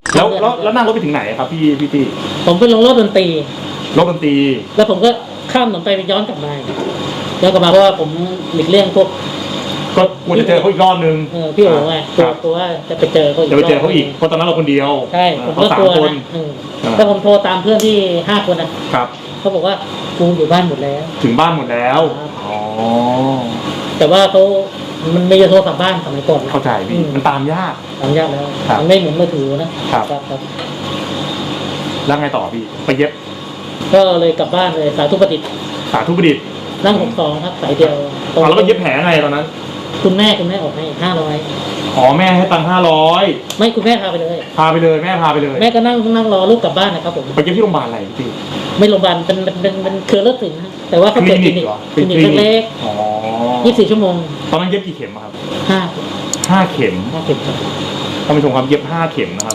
แล้วนั่งรถไปถึงไหนครับพี่ตี้ผมไปลงรถดนตรีแล้วผมก็ข้ามถนนไปย้อนกลับมาเพราะว่าผมหลีกเลี่ยงพวกก็ควรจะเจอเขาอีกรอบนึงพี่โอ๋ไงกลัวว่าจะไปเจอเขาอีกเพราะตอนนั้นเราคนเดียวใช่ผมก็กลัวนะแต่ผมโทรตามเพื่อนที่5 คนนะครับเขาบอกว่ากูอยู่บ้านหมดแล้วถึงบ้านหมดแล้วอ๋อแต่ว่ามันไม่จะโทรกลับบ้านสมัยก่อนเข้าใจพี่มันตามยากแล้วมันไม่เหมือนมือถือนะครับแล้วไงต่อพี่ไปเย็บก็เลยกลับบ้านเลยสาธุประดิษฐ์นั่ง62ครับสายเดียวแล้วก็เย็บแผลไงตอนนั้นคุณแม่ออกให้500 อ๋อแม่ให้ตังค์500 ไม่คุณแม่พาไปเลยแม่พาไปเลยแม่ก็นั่งรอลูกกลับบ้านนะครับผมไปเย็บที่โรงพยาบาลอะไรพี่ไม่โรงพยาบาลเป็นเครือเลือดถึงนะแต่ว่าเขาเปิดคลินิกเล็กๆอ๋อ 24 ชั่วโมงตอนนั้นเย็บกี่เข็มครับ 5 เข็มครับท่านผู้ชมครับเย็บ5 เข็มนะครับ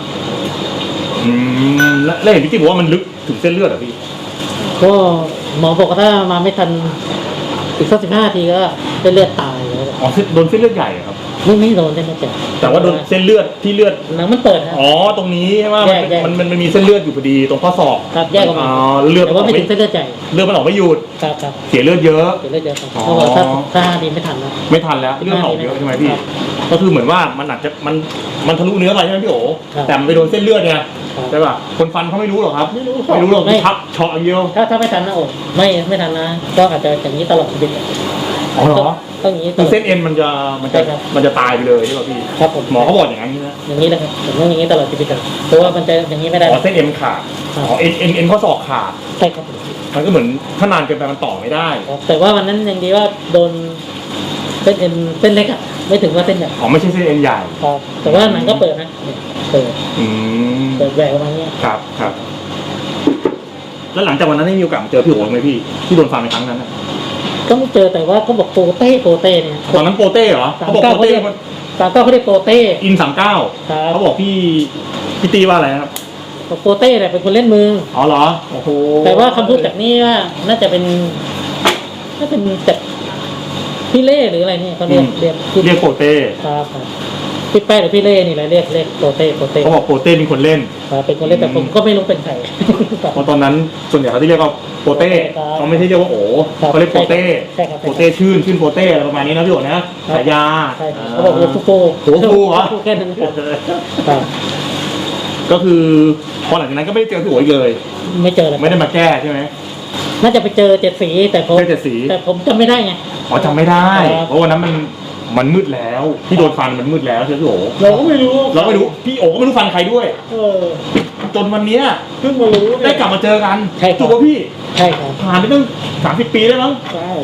แล้วเห็นพี่ตี้บอกว่ามันลึกถึงเส้นเลือดเหรอพี่ก็หมอบอกว่าถ้ามาไม่ทันอีกสัก15 นาทีก็เส้นเลือดตายแล้วอ๋อโดนเส้นเลือดใหญ่ครับไม่โดนเส้นเลือดใหญ่แต่ว่าโดนเส้นเลือดที่เลือดหนังมันเปิดนะอ๋อตรงนี้ใช่ไหมมันมีเส้นเลือดอยู่พอดีตรงข้อศอกครับแยกออกมาเลือดแต่ว่าไม่ถึงเส้นเลือดใหญ่เลือดมันออกไม่หยุดครับเสียเลือดเยอะครับเพราะว่าถ้าดีไม่ทันแล้วเลือดออกเยอะใช่ไหมพี่ก็คือเหมือนว่ามันอาจจะมันทะลุเนื้อไปใช่ไหมพี่โอ๋แต่มันไปโดนเส้นเลือดไงใช่ป่ะคนฟันเขาไม่รู้หรอกครับไม่รู้หรอกทับเฉาะอย่างเดียวถ้าไม่ทันนะโอ้ไม่ทันนะก็อาจจะอย่างนี้ตลอดชีวิตอ๋อเหรอต้องอย่างนี้เส้นเอ็นมันจะตายไปเลยใช่ป่ะพี่ครับผมหมอเขาบอกอย่างนี้นะอย่างนี้เลยครับผมต้องอย่างนี้ตลอดชีวิตเลยเพราะว่ามันจะอย่างนี้ไม่ได้อ๋อเส้นเอ็นขาดอ๋อเอ็นข้อศอกขาดใช่ครับมันก็เหมือนถ้านานเกินไปมันต่อไม่ได้แต่ว่าวันนั้นยังดีว่าโดนเส้นเอ็นเส้นเล็กอ่ะไม่ถึงว่าเส้นใหญ่อ๋อไม่ใช่เส้นเอ็นใหญ่ครับแต่ว่าหนังก็เปิดนะเปิดแหวกออกมาเนี้ยครับแล้วหลังจากวันนั้นได้มีโอกาสเจอพี่โอ๋ไหมพี่ที่โดนฟันในครั้งนั้นก็ไม่เจอแต่ว่าเขาบอกโปเต้เนี่ยตอนนั้นโปเต้เหรอเขาบอกโปเต้ 39เขาเรียกโปเต้อิน39เขาบอกพี่ตีว่าอะไรครับโปเต้เนี่ยเป็นคนเล่นมืออ๋อเหรอโอ้โหแต่ว่าคำพูดจากนี้ว่าน่าจะเป็นจากพี่เล่หรืออะไรนี่เขาเรียกโปเต้ครับพี่แป้หรือพี่เล่นี่แหละเรียกโปเต้เขาบอกโปเต้เป็นคนเล่นเป็นคนเล่นแต่ผมก็ไม่รู้เป็นใครเพราะตอนนั้นส่วนใหญ่เขาที่เรียกว่าโปเต้เขาไม่ใช่เรียกว่าโอ๋เขาเรียกโปเต้ชื่นโปเต้อะไรประมาณนี้นะพี่โอ๋นะฉายาเขาบอกโอ้ฟูเหรอแค่นั้นครับก็คือพอหลังจากนั้นก็ไม่ได้เจอพี่โอ๋เลยไม่เจอเลยไม่ได้มาแก้ใช่ไหมน่าจะไปเจอ7 สีแต่ผมจำไม่ได้ไงอ๋อจำไม่ได้เพราะวันนั้นมันมืดแล้วที่โดนฟันมันมืดแล้วใช่ไหมพี่โอ๋เราก็ไม่รู้พี่โอ๋ก็ไม่รู้ฟันใครด้วยจนวันนี้เพิ่งมารู้ได้กลับมาเจอกันถูกป่ะพี่ใช่ครับผ่านไปตั้ง30 ปีได้มั้งใช่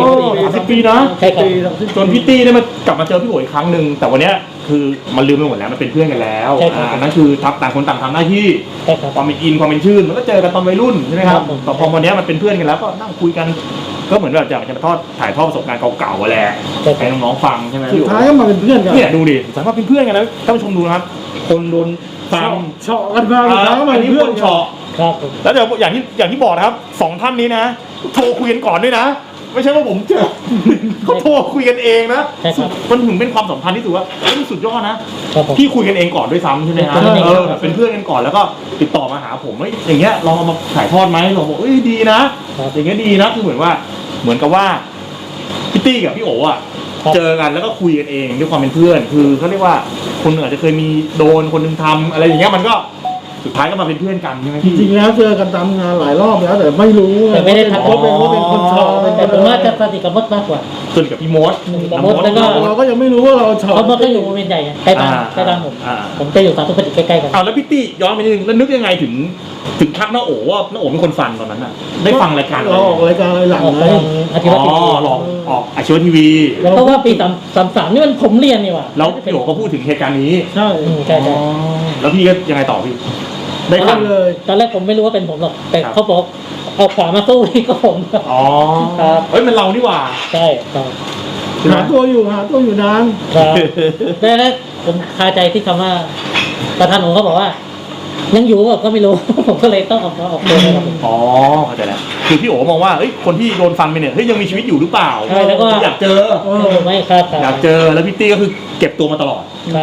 30 ปีนะใช่ครับจนพี่ตี้ได้มากลับมาเจอพี่โอ๋อีกครั้งหนึ่งแต่วันนี้คือมันลืมไปหมดแล้วมันเป็นเพื่อนกันแล้วนั่นคือต่างคนต่างทำหน้าที่ความเป็นอินความเป็นชื่นมันก็เจอกันตอนวัยรุ่นใช่ไหมครับแต่พอวันนี้มันเป็นเพื่อนกันแล้วก็นั่งคุยกันก็เหมือนแบบอยากจะถ่ายทอดประสบการณ์เก่าๆแหละให้น้องๆฟังใช่ไหมสุดท้ายก็มาเป็นเพื่อนกันเนี่ยดูดิสามารถเป็นเพื่อนกันนะท่านผู้ชมดูนะครับคนโดนฟังเฉาะกันมาแล้วอันนี้เพื่อนเฉาะครับแล้วเดี๋ยวอย่างที่บอกนะครับ2 ท่านนี้นะโทรคุยกันก่อนด้วยนะไม่ใช่ว่าผมเจอเขาโทรคุยกันเองนะมันถึงเป็นความสัมพันธ์ที่ถือว่ามันสุดยอดนะที่คุยกันเองก่อนด้วยซ้ำใช่ไหมฮะเป็นเพื่อนกันก่อนแล้วก็ติดต่อมาหาผมอย่างเงี้ยลองเอามาถ่ายทอดไหมเราบอกดีนะอย่างเงี้ยดีนะคือเหมือนกับว่าพี่ตี้กับพี่โอ๋อ่ะเจอกันแล้วก็คุยกันเองด้วยความเป็นเพื่อนคือเขาเรียกว่าคนหนึ่งอาจจะเคยมีโดนคนหนึ่งทำอะไรอย่างเงี้ยมันก็สุดท้ายก็มาเป็นเพื่อนกันใช่ไหมจริงๆแล้วเจอกันตามงานหลายรอบแล้วแต่ไม่รู้แต่ไม่ได้ทักว่าเป็นคนชอบแต่ผมว่าจะสนิทกับมดมากกว่าส่วนกับพี่มดแล้วก็เราก็ยังไม่รู้ว่าเราชอบเพราะมดก็อยู่บริเวณใหญ่ใกล้บ้านผมจะอยู่สาธุประดิษฐ์ใกล้ๆกันแล้วพี่ตี้ย้อนไปนิดนึงแล้วนึกยังไงถึงทักน้าโอ๋ว่าน้าโอ๋เป็นคนฟันตอนนั้นน่ะได้ฟังรายการเราออกรายการอะไรหลังเลยอาชีวะทีวีออกอาชีวะทีวีเพราะว่าปี33นี่มันผมเรียนนี่ว่ะแล้วพี่โอ๋ก็พูดถึงเหตุการณ์นี้ใช่แล้วพี่ก็ยังไงต่อพี่ได้ฟังเลยตอนแรกผมไม่รู้ว่าเป็นผมหรอกแต่เขาบอกเอาขวามาสู้ที่ก็ผมอ๋อครับเฮ้ยมันเรานี่หว่าใช่ครับหาตัวอยู่นานครับแล้วผมคาใจที่คำว่าประธานผมเขาบอกว่ายังอยู่ก็ไม่รู้ผมก็เลยต้องออกตัวอ๋อเข้าใจแล้วคือพี่โอ๋มองว่าคนที่โดนฟันไปเนี่ยยังมีชีวิตอยู่หรือเปล่าใช่แล้วก็อยากเจอไม่ครับอยากเจอแล้วพี่ตี้ก็คือเก็บตัวมาตลอดครับ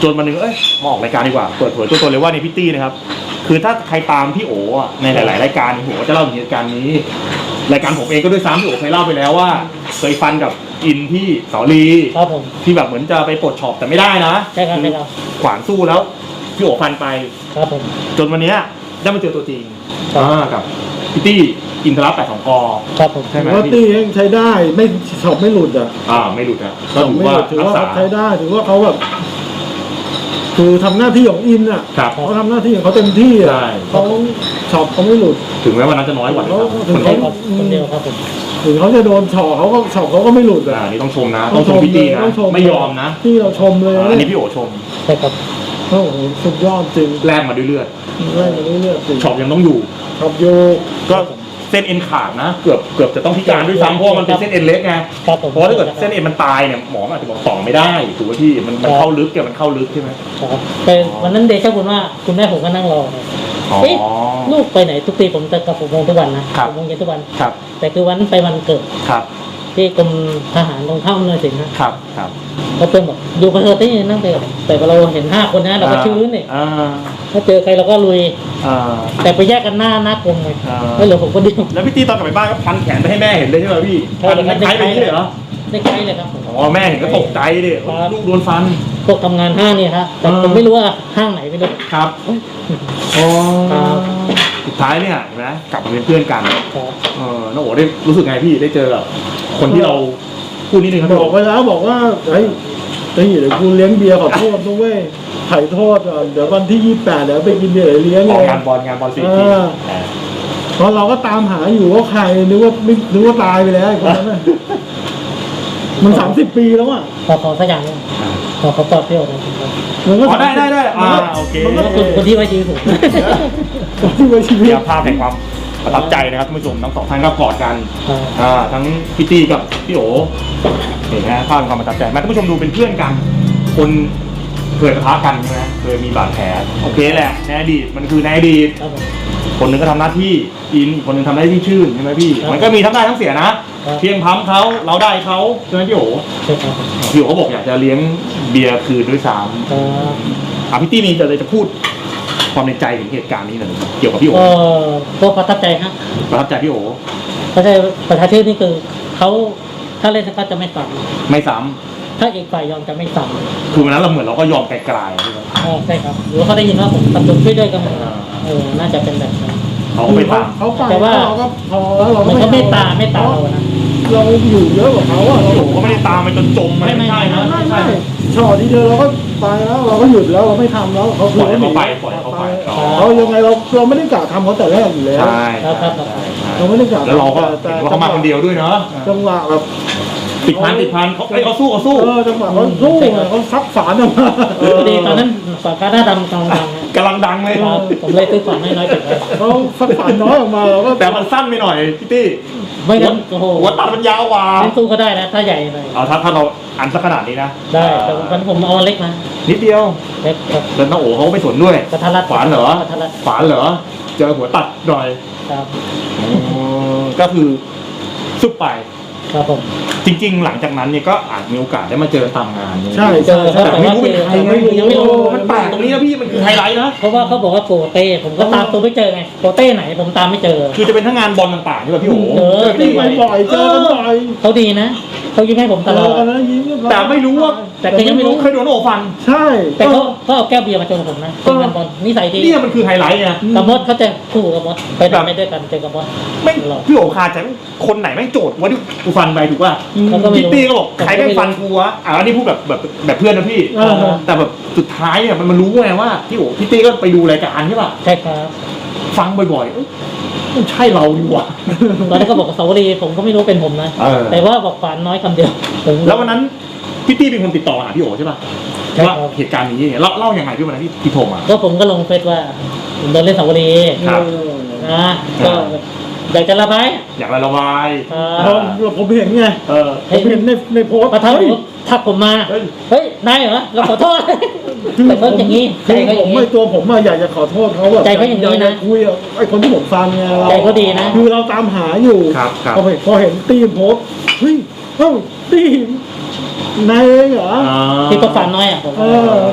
จนวันหนึงมาออกรายการดีกว่าเปิดเผยตัวตนเลยว่าในพี่ตี้นะครับคือถ้าใครตามพี่โออ่ะในหลายๆรายการผมก็จะเล่าถึงเหตุการณ์นี้รายการผมเองก็ด้วยซ้ำพี่โอเคยเล่าไปแล้วว่าเคยฟันกับอินที่เสาลีครับผมที่แบบเหมือนจะไปปลดช็อปแต่ไม่ได้นะใช่ครับใช่ครับขวานสู้แล้วพี่โอฟันไปครับผมจนวันเนี้ยได้มาเจอตัวจริงครับกับพี่ตี้อินทรัพย์82 กครับผมใช่ไหมว่าตีเองใช้ได้ไม่ช็อปไม่หลุดอ่ะไม่หลุดอะช็ก็อปถือไม่ว่าหลุดถือรักว่าษาเขาใช้ได้ถือว่าเขาแบบคือทำหน้าที่ของอินอ่ะครับเขาทำหน้าที่ของเขาเต็มที่อ่ะใช่เขาช็อปเขาไม่หลุดถึงแม้วันนั้นจะน้อยกว่านะครับถึงใช่ครับคนเดียวครับผมถึงเขาจะโดนช็อปเขาก็ช็อปเขาก็ไม่หลุดอ่ะนี่ต้องชมนะต้องชมพี่ตี้นะต้องชไม่ยอมนะที่เราชมเลยอันนี้พี่โอชมใช่ครับโอ้โหสุดยอดจริงแลกมาด้วยเลือดไล่มาเรื่อยๆจริงช็อปยังต้องอยู่ช็อปโยก็เส้นเอ็นขาดนะเกือบจะต้องพิการด้วยซ้ำเพราะว่ามันเป็นเส้นเอ็นเล็กไงครับผมเพราะถ้าเกิดเส้นเอ็นมันตายเนี่ยหมออาจจะบอกต่อไม่ได้ถูกไหมพี่มันเข้าลึกมันเข้าลึกใช่ไหมครับแต่วันนั้นเดชะบุญว่าคุณแม่ผมก็นั่งรอเนี่ยอ๋อเอ๊ะลูกไปไหนทุกปีผมจะกลับ6 โมงทุกวันนะครับ 6 โมงเย็นทุกวันครับแต่คือวันนั้นไปวันเกิดครับที่กรมทหารตรงข้ามอำนวยสินนะครับครับเขาเตือนบอกอยู่กับเธอที่นั่งเตะแต่เราเห็น5 คนนะเราก็ชื้นเนี่ยอ่าถ้าเจอใครเราก็ลุยอ่าแต่ไปแยกกันหน้ากรมไงอ่าไม่เหลือผมคนเดียวแล้วพี่ตี้ตอนกลับไปบ้านก็พันแขนไปให้แม่เห็นเลยใช่ไหมพี่ใช่พันครับคล้ายๆไปนี่เลยเหรอได้ใกล้เลยครับผมอ๋อแม่เห็นก็ตกใจดิครับลูกโดนฟันพวกทำงานห้างเนี่ยครับแต่ผมไม่รู้ว่าห้างไหนไม่รู้ครับอ๋อครับสุดท้ายเนี่ยเห็นไหมกลับมาเป็นเพื่อนกันครับน้องโอ๋ได้รู้สึกไงพี่ได้เจอกับคนที่เราพูดนิดนึงครับบพี่อกโอ๋ไปแล้วบอกว่าเฮ้ยเดี๋ยวกูเลี้ยงเบียร์ขอโทษด้วย ไถ่โทษอ่ะเดี๋ยววันที่28เดี๋ยวไปกินเบียร์เลี้ยงอเลอกยงานบอลสี่เอทีอ เพราะเราก็ตามหาอยู่ว่าใครนึกว่าตายไปแล้วไอ้คนนั้นน่ะมัน30 ปีแล้วอ่ะขอสักอย่างหนึงขอตอบพี่โอ๊ตนะครับมันก็ได้โอเคมันก็ก็คนที่ไว้ชีวิตผมที่ไว้ชีวิตเดี๋ยวภาพแห่งความประทับใจนะครับท่านผู้ชมทั้งสองท่านก็กอดกันครับทั้งพี่ตี้กับพี่โอ๋เห็นไหมภาพแห่งความประทับใจมาท่านผู้ชมดูเป็นเพื่อนกัน คนเคยปะทะกันใช่ไหมเคยมีบาดแผลโอเคแหละในอดีตมันคือในอดีตครับผมคนหนึงก็ทำหน้าที่อินอีกคนหนึงทำหน้าที่ชื่นใช่ไหมพี่ครับมันก็มีทั้งได้ทั้งเสียนะครับเพียงพั้มเขาเราได้เขาใช่ไหมพี่โอ๋ใช่ครับพี่โอ๋เขาบอกอยากจะเลี้ยงเบียร์คืนด้วยซ้ครับำพี่ตี้มีจะพูดความในใจถึงเหตุการณ์นี้หน่อยเกี่ยวกับพี่โอ๋ก็ประทับใจครับประทับใจพี่โอ๋ประชาชนนี่คือเขาถ้าเล่นก็จะไม่สั่งไม่ซ้ถ้าอีกฝ่ายยอมจะไม่สั่งำคือวันนั้นเราเหมือนเราก็ยอมไกลๆใช่ไหมใช่ครับหรือว่าเขาได้ยินว่าผมตัดตุนช่วยด้วยกันหมดน่าจะเป็นแบบนั้นเขาก็ไปตามเขาไปแต่ว่าเราก็พอแล้วเราก็มันก็ไม่ตาอไม่ตาเรานะเราอยู่เยอะกว่าเขาอ่ะพี่โอ๋ก็ไม่ได้ตามไปจนจมมันไม่ไม่ใช่นะไม่ช็อตทีเดียวเราก็ไปแล้วเราก็หยุดแล้วเราไม่ทำแล้วเขาปล่อยให้เขาไปปล่อยให้เขาไปอ๋อเขายังไงเราไม่ได้กะทำเขาแต่แรกอยู่แล้วใช่เราไม่ได้กะแล้วเราก็เห็นว่าเขามาคนเดียวด้วยเนาะจังหวะแบบติดพันเขาสู้จังหวะเขาสู้อะเขาซับฝานออกมาพอดีตอนนั้นฝากาหน้าดำกำลังดังกำลังดังเลยครับผมเลยซื้อฝาน้อยๆเก็บไว้เขาซับฝานน้อยออกมาเราก็แต่มันสั้นไปหน่อยพี่ตี้ไม่งั้นโอ้โหหัวตัดมันยาวกว่าเล่นสู้ก็ได้นะถ้าใหญ่หน่อยเอาถ้าเราอันสักขนาดนี้นะได้แต่วันผมเอาอันเล็กมานิดเดียวเล็กครับแล้วน้องโอ๋เขาก็ไม่สนด้วยกระทัดรัดฝานเหรอกระทัดรัดฝานเหรอเจอหัวตัดหน่อยครับก็คือซุปไปครับผมจริง ๆ หลังจากนั้นเนี่ยก็อาจมีโอกาสได้มาเจอตามงานใช่เจอครับแต่แต่ไม่ว่ารู้เป็นใครไงยังไม่รู้มันแปลกตรงนี้นะพี่มันคือไฮไลท์นะเพราะว่าเขาบอกว่าโปเต้ผมก็ตามตัวไม่เจอไงโปเต้ไหนผมตามไม่เจอคือจะเป็นทั้งงานบอลต่างๆใช่ป่ะพี่โอ๋ตีไปบ่อยเจอกันบ่อยเขาดีนะเขายิ้มให้ผมตเจลออดกันแล้วยิ้มเรียบร้อยแต่ไม่รู้ว่าแต่ก็ยังไม่รู้เคยโดนโอ๋ฟันใช่แต่เขาเอาแก้วเบียร์มาชนผมนะเป็นงานบอลนิสัยดีเนี่ยมันคือไฮไลท์ไงกับมดเขาจะคู่กับมดไปทำไปด้วยกันเจอกับมดไม่พี่โอ๋คาใจคนไหนแม่งโจทย์ว่าที่กูฟันไปถูกป่ะเขาก็ไม่พี่รู้ตี้ก็บอกใครแม่งฟันกูวะอันนี้พูดแบบเพื่อนนะพี่ แต่แบบสุดท้ายเนี่ยมันรู้ไงว่าพี่ตี้ก็ไปดูรายการใช่ป่ะใช่ครับฟังบ่อยๆเอ้ยมันใช่เราดีกว่าตอนนั้นก็บอกกับสาวรีผมก็ไม่รู้เป็นผมนะเออแต่ว่าบอกฝานน้อยคำเดียวผมแล้ววันนั้นพี่ตี้เป็นคนติดต่อหาพี่โอ๋ใช่ป่ะใช่ครับว่าเหตุการณ์นี้เนี่ยเล่ายังไงพี่วันนั้นที่โทรมาก็ผมก็ลงเฟซว่าผมโดนเล่นสาวรีครับนะก็อยากจะระบายอยากระบายผมเห็นไง ผมเห็นในโพสต์ประทับทักผมมาเฮ้ยเฮ้ยได้เหรอเราขอโทษคือแต่ก็อย่างนี้คืใจอก็อผย่าม งนี้ไม่ตัวผมอะอยากจะขอโทษเขาแบบใจเขาอย่างนี้นะกจคุยกับไอ้คนที่ผมฟังไงเราใจเขาดีนะคือเราตามหาอยู่ครับพอเห็นตีมโพสต์เฮ้ยตีมนายเองเหรอที่ก็ฝานน้อยอ่ะผมเออ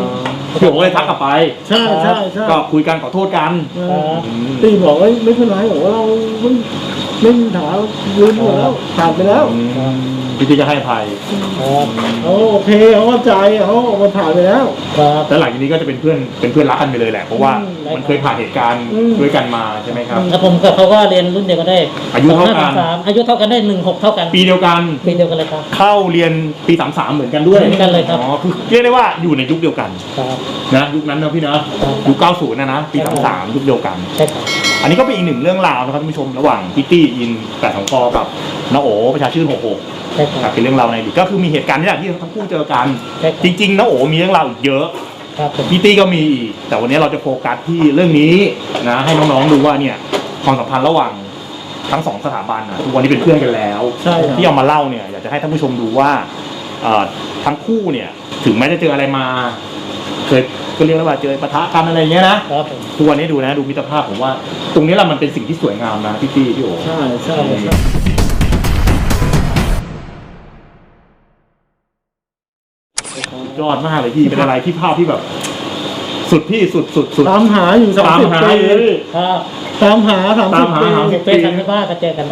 พี่โอ๋เลยทักกลับไปใช่ใช่ใช่ก็คุยกันขอโทษกันตีบอกว่าไม่เป็นไรบอกว่าเราไม่มีปัญหาลืมหมดแล้วผ่านไปแล้วพี่ตีจะให้อภัยครับเขาโอเคเขาเข้าใจเขาออกมาผ่านไปแล้วครับแล้วหลังจากนี้ก็จะเป็นเพื่อนรักกันไปเลยแหละเพราะว่ามันเคยผ่านเหตุการณ์ด้วยกันมาใช่ไหมครับแล้วผมกับเขาก็เรียนรุ่นเดียวกันได้อายุเท่ากัน 2533อายุเท่ากันได้16เท่ากันปีเดียวกันปีเดียวกันเลยครับเข้าเรียนปี33เหมือนกันด้วยเหมือนกันเลยครับอ๋อคือเรียกได้ว่าอยู่ในยุคเดียวกันครับนะยุคนั้นนะพี่นะยุค90นะปี33ยุคเดียวกันใช่ครับอันนี้ก็เป็นอีกหนึ่งเรื่องราวนะครับท่านผู้ชมระหว่างพิตตี้อิน8 2 กกับน้าโอประชาชื่น66 ใช่คครัรับบเป็นเรื่องราวในอดีตก็คือมีเหตุการณ์นี่แหละที่ทั้งคู่เจอกันใช่ครับจริงๆน้าโอมีเรื่องราวอีกเยอะครับผมพิตตี้ก็มีอีกแต่วันนี้เราจะโฟกัสที่เรื่องนี้นะให้น้องๆดูว่าเนี่ยความสัมพันธ์ระหว่างทั้งสองสถาบันนะทุกวันนี้เป็นเพื่อนกันแล้วใช่ครับที่เอามาเล่าเนี่ยอยากจะให้ท่านผู้ชมดูว่าทั้งคู่เนี่ยถึงแม้จะเจออะไรมาเคยก็เรียกว่าเจอปะทะกันอะไรอย่างเงี้ยนะครับผมทุกวันนี้ดูนะดูมิตรภาพผมว่า ตรงนี้แหละมันเป็นสิ่งที่สวยงามนะพี่ตี้พี่โอใช่ใช่ใช่สุดยอดมากเลยพี่เป็นอะไรที่ภาพที่แบบ สุดพี่สุดตามหาอยู่ตามหา 30 ปีเลยครับตามหาตามหา 30 ปีเฟซทางที่บ้านก็เจอกันได้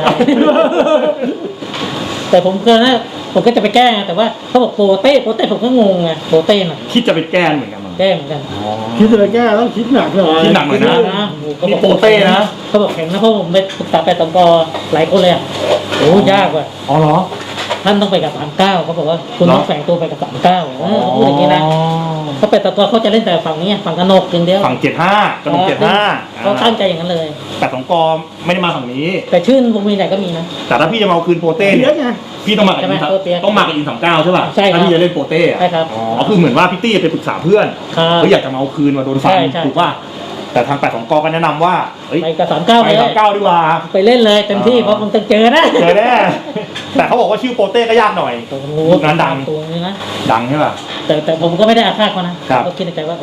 แต่ผมเคยนะผมก็จะไปแก้แต่ว่าเขาบอกโปเต้ผมก็งงไงโปเต้น่ะคิดจะไปแก้เหมือนกันมั้งแก้เหมือนกันคิดจะแก้ต้องคิดหนักหน่อยคิดหนักหน่อยนะเขาบอกนี่โปเต้นะเขาบอกแข็งนะเพราะผมไปปรึกษาแปดตองกหลายคนเลยอ่ะโอ้ยากว่ะอ๋อเหรอท่านต้องไปกับ39เขาบอกว่าคุณต้องแฝงตัวไปกับ39เขาพูดอย่างนี้นะเพราะแปดตองกเขาจะเล่นแต่ฝั่งนี้ฝั่งกนกอย่างเดียวฝั่ง75กระดก75 เขาตั้งใจอย่างนั้นเลยแต่2 กไม่ได้มาฝั่งนี้แต่ชื่นวงมีไหนก็มีนะแต่ถ้าพี่จะมาเอาคืนโปเต้เยเนี่ยอะไงพี่ต้องมากับใช่ไหมอินเปียกต้องมากับอิน39ใช่ป่ะใช่ครับถ้าพี่จะเล่นโปเต้อะใช่ครับอ๋อคือเหมือนว่าพี่ตี้ไปปรึกษาเพื่อนครับเขาอยากจะมาเอาคืนมาโดนฟันใช่ใช่ถูกป่ะแต่ทาง8 2 กก็แนะนำว่าเฮ้ยไปกับ39 ไปเลย 39ดีกว่าไปเล่นเลยเต็มที่อ๋อเพราะมันต้องเจอนะเจอแน่แต่เขาบอกว่าชื่อโปเต้ก็ยากหน่อยผมยุคนั้นดังตัวนี้นะดังใช่ป่ะแต่ผมก็ไม่ได้อาฆาตเขานะครับ ก็คิดในใจว่า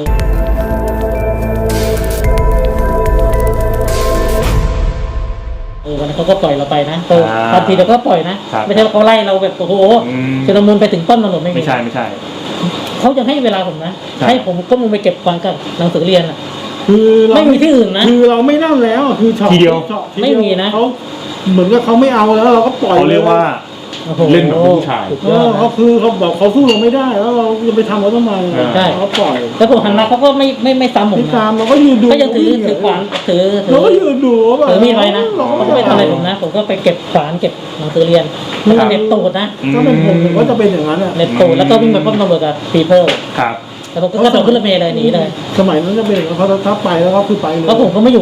วันนั้นเขาก็ปล่อยเราไปนะทันทีเราก็ปล่อยนะ ไม่ใช่ว่าเขาไล่เราแบบโอ้โหชุลมุนไปถึงต้นถนนไม่มีไม่ใช่ไม่ใช่เขายังให้เวลาผมนะใช่ให้ผมก็มึงไปเก็บฟังกับหนังสือเรียนอ่ะคือเราไม่มีที่อื่นนะคือเราไม่นั่นแล้วคือช็อตทีเดียวช็อตทีไม่มีนะเขาเหมือนกับเขาไม่เอาแล้วเราก็ปล่อยเขาเรียกว่าโอ้โหเล่นแบบผู้ชายสุดเอยออดนะเขาคือเขาบอกเขาสู้เราไม่ได้แล้วเราจะไปทำเขาทำไมใช่เขาปล่อยแล้วผมหันมาเขาก็ไม่ซ้ำผมพี่นะตามเราก็ยืนดูก็ยังถือขวานถือเราก็ยืนดูว่าแบบถือมีดไว้นะเราเขาก็ก็ไม่ไม่ทำอะไรผมนะ ผมก็ไปเก็บขวานเก็บหนังสือเรียนมันเหน็บตูดนะถ้าเป็นผมก็จะเป็นอย่างนั้นอ่ะเหน็บตูดแล้วก็วิ่งไปป้อมตำรวจกับปีเพิลครับแล้วผมก็กระโดดขึ้นรถเมล์เลยหนีเลยสมัยนั้นจะเป็นอย่างนั้นเขาถ้าไปแล้วก็คือไปเลยเพราะผมก็ไม่อยู่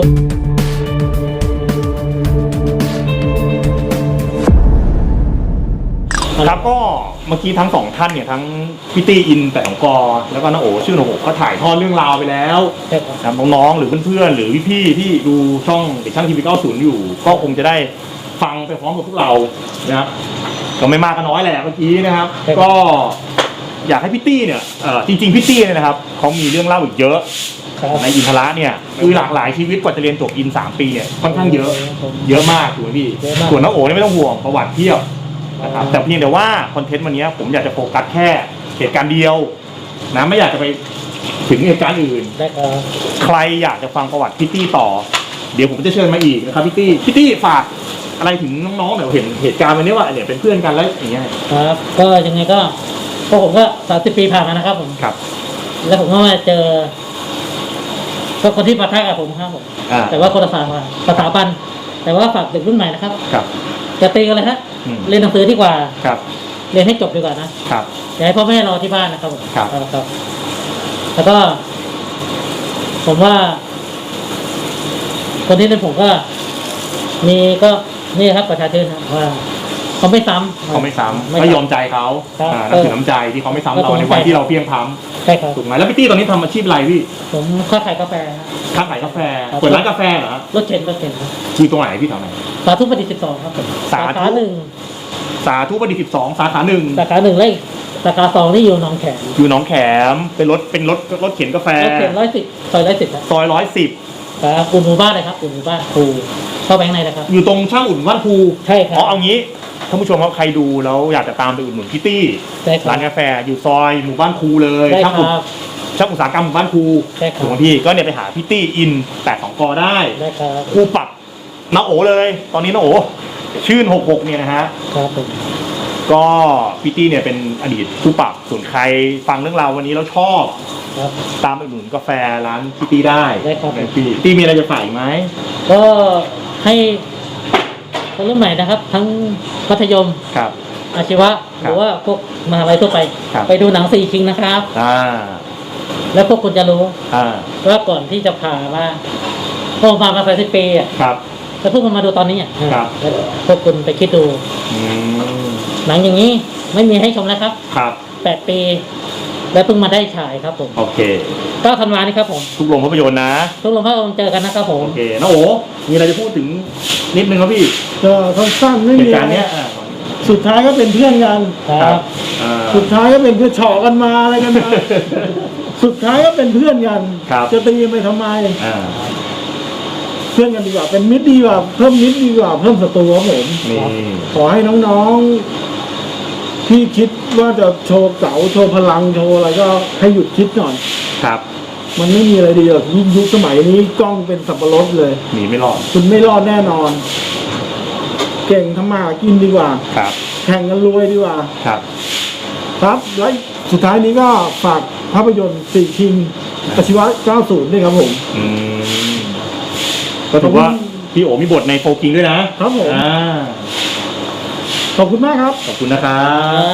ครับก็เมื่อกี้ทั้งสองท่านเนี่ยทั้งพี่ตี้อิน8 2 กแล้วก็น้าโอชื่อหกก็ถ่ายทอดเรื่องราวไปแล้วใช่ครับนะครับน้องๆหรือเพื่อนๆหรือพี่ๆที่ดูช่องเด็กช่างทีวี90อยู่ ก็คงจะได้ฟังไปพร้อมกับพวกเรานะครับก็ไม่มากก็น้อยแหละเมื่อกี้นะครับ ก็อยากให้พี่ตี้เนี่ยจริงๆพี่ตี้เนี่ยนะครับเขามีเรื่องเล่าอีกเยอะครับในอินทระเนี่ยคือหลากหลายชีวิตกว่าจะเรียนจบอิน3 ปีเนี่ยค่อนข้างเยอะ เยอะมากถูกไหมพี่เยอะมากส่วนน้าโอเนี่ยไม่ต้องห่วงประวัติเพียบนะครับแต่เพียงแต่ว่าคอนเทนต์วันนี้ผมอยากจะโฟกัสแค่เหตุการณ์เดียวนะไม่อยากจะไปถึงเหตุการณ์อื่นได้ครับใครอยากจะฟังประวัติพี่ตี้ต่อ เดี๋ยวผมจะเชิญมาอีกนะครับพี่ตี้ฝากอะไรถึงน้องๆเดี๋ยวเห็นเหตุการณ์วันนี้ว่าเนี่ยเป็นเพื่อนกันแล้วอย่างเงี้ยครับ ก็ยังไงก็ผมก็30 ปีผ่านมานะครับผมครับแล้วผมก็มาเจอก็คนที่ปะทะกับผมครับผม แต่ว่าคนละสถาบันแต่ว่าฝากเด็กรุ่นใหม่นะครับครับจะตีกันเลยฮะอืมเรียนหนังสือดีกว่าครับเรียนให้จบดีกว่านะครับ อย่าให้พ่อแม่รอที่บ้านนะครับผมครับครับ แล้วก็ ผมว่า คนที่เป็นผมก็ มีก็นี่ครับประชาชนครับว่าเขาไม่ซ้ำเขาไม่ซ้ำไม่ก็ซ้ำยอมใจเขาครับนับถือน้ำใจที่เขาไม่ซ้ำก็เราถูกในวันที่เราเพียงพร้ใช่ครับำถูกไหมแล้วพี่ตี้ตอนนี้ทำอาชีพอะไรพี่ผมค้าขายกาแฟครับค้าขายกาแฟครับเปิดร้านกาแฟเหรอรถเข็นครับคือตรงไหนพี่แถวไหนสาธุประดิษฐ์12ครับผมสาธุขาหนึ่งสาธุประดิษฐ์12 สาขาหนึ่งสาขาหนึ่งเลขสาขาสองที่อยู่หนองแขมอยู่หนองแขมเป็นรถเข็นกาแฟรถเข็น110ซอย110ครับซอย110 ครับอุ่นหมู่บ้านเลยครับอุ่นหมู่บ้านครูเข้าไปข้างในนะครับอยู่ตรงช่างอุ่นว่านภูใช่ครับอ๋อเอางี้ท่านผู้ชมครับใครดูแล้วอยากจะตามไปอุดหนุนพี่ตี้ใช่ครับร้านกาแฟอยู่ซอยหมู่บ้านครูเลยได้ช่างคอุ่นรับช่างอุตสาหกรรมบ้านครูใช่ครับถูกไหมพี่ก็เนี่ยไปหาพี่ตี้อิน82กได้ได้ครับครูปรับน้าโอเลย ตอนนี้น้าโอชื่น66เนี่ยนะฮะครับผมก็พี่ตี้เนี่ยเป็นอดีตครูปรับส่วนใครฟังเรื่องราววันนี้แล้วชอบครับตามไปอุดหนุนกาแฟร้านพี่ตี้ได้ได้ครับพี่ตี้มีอะไรจะฝากอีกไหมก็ให้คนรุ่นใหม่นะครับ ทั้งมัธยมครับอาชีวะครับหรือว่าพวกมหาลัยทั่วไปครับไปดูหนังสี่คิงนะครับ แล้วพวกคุณจะรู้อ่าว่าก่อนที่จะผ่ามาพวกมา30 ปีอ่ะครับแล้วพวกคุณมาดูตอนนี้อ่ะครับแล้วพวกคุณไปคิดดูอืมหนังอย่างนี้ไม่มีให้ชมแล้วครับครับ 8 ปี แล้วเพิ่งมาได้ฉายครับผมโอเค 9 ธันวานี้ครับผมทุกโรงภาพยนตร์นะทุกโรงภาพยนตร์เจอกันนะครับผมโอเคน้าโอมีอะไรจะพูดถึงนิดนึงครับพี่ก็สั้นๆไม่เหมีตุอะการณ์ไรเนี้ยสุดท้ายก็เป็นเพื่อนกันครับอ่าสุดท้ายก็เป็นเพื่อนเฉาะกันมาอะไรกันมา สุดท้ายก็เป็นเพื่อนกันครับจะตีไปทำไมอ่าเพื่อนกันดีกว่า เป็นมิตรดีกว่า เพิ่มมิตรดีกว่า เพิ่มศัตรูครับผมนี่ขอให้น้องๆ ที่คิดว่าจะโชว์เก๋าโชว์พลังโชว์อะไรก็ให้หยุดคิดหน่อยครับมันไม่มีอะไรดีหรอกยิ่งยุคสมัยนี้กล้องเป็นสับปะรดเลยหนีไม่รอดคุณไม่รอดแน่นอน เก่งทำมาหากินดีกว่าครับแข่งกันรวยดีกว่าครับครับ และสุดท้ายนี้ก็ฝากภาพยนตร์สี่คิงอาชีวะ 90 ด้วยครับผมอืมก็ถือว่าพี่โอมีบทในโฟกิงด้วยนะครับผมอ่าขอบคุณมากครับขอบคุณนะครับ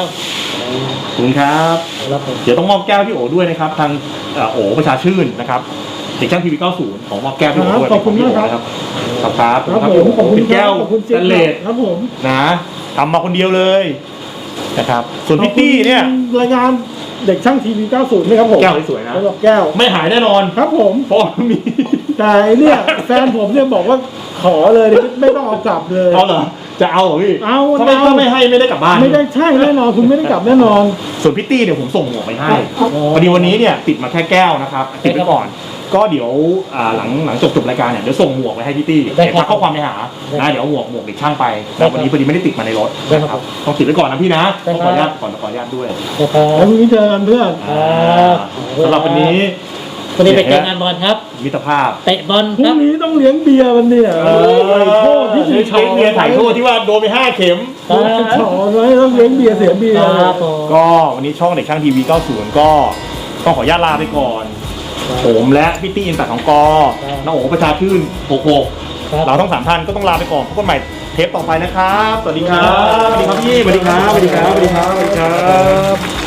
ครับขอบคุณครับแล้วผมเดี๋ยวต้องมอบแก้วพี่โอด้วยนะครับ ทางโอประชาชื่นนะครับเด็กช่างทีวี90ของมอบแก้วพี่โอด้วยขอบคุณมากครับนะครับขอบครับครับพี่ผมโอขอบคุณเป็นแก้วขอบคุณสเจ๊แตนเลสครับผมนะทำมาคนเดียวเลยนะครับ ส่วนพี่ตี้เนี่ยขอบคุณรายการเด็กช่างทีวี 90ด้วยครับผมแก้วสวยๆนะสำหรับแก้วไม่หายแน่นอนครับผมเพราะมีแต่เนี่ย แฟนผมเนี่ยบอกว่าขอเลยไม่ต้องเอากลับเลยเอาเหรอจะเอาเหรอพี่เอาถ้าไม่ให้ไม่ได้กลับบ้านไม่ได้ใช่แน่นอนคุณไม่ได้กลับแน่นอนส่วนพี่ตี้เนี่ยผมส่งหมวกไปให้ครับพอดีวันนี้เนี่ยติดมาแค่แก้วนะครับติดไปก่อน ก็เดี๋ยวหลังจบรายการเนี่ยเดี๋ยวส่งหมวกไปให้พี่ตี้ได้เดี๋ยวครับทักข้อความไปหาได้นะเดี๋ยวเอาหมวกเด็กช่างไปได้แต่วันนี้พอดีไม่ได้ติดมาในรถได้ครับต้องติดไว้ก่อนนะพี่นะได้ต้องคขรัอบ อนุญาตด้วยนะครับแล้วพรุ่งนี้เจอกันเพื่อนครับสำหรับวันนี้วันนี้ไปเจองานบอลครับมิตรภาพเตะบอลพรุ่ครังบนี้ต้องเลี้ยงเบียร์มันเนี่ยไอ้โทษที่สีชอเมียถ่ายโทษที่ว่าโดนไป5เข็มชอไว้ต้องเลี้ยงเบียร์เสียเบียร์ครับผมก็วันนี้ช่องเด็กช่างทีวี90ก็ต้องขออนุญาตลาไปก่อน ผมและพี่ตี้อินตัดของกอน้องโอ๋ประชาชื่น66 ครับเราทั้ง3ท่านก็ต้องลาไปก่อนพบกันใหม่เทปต่อไปนะครับ สวัสดีครับ สวัสดีครับพี่ สวัสดีครับ สวัสดีครับ สวัสดีครับ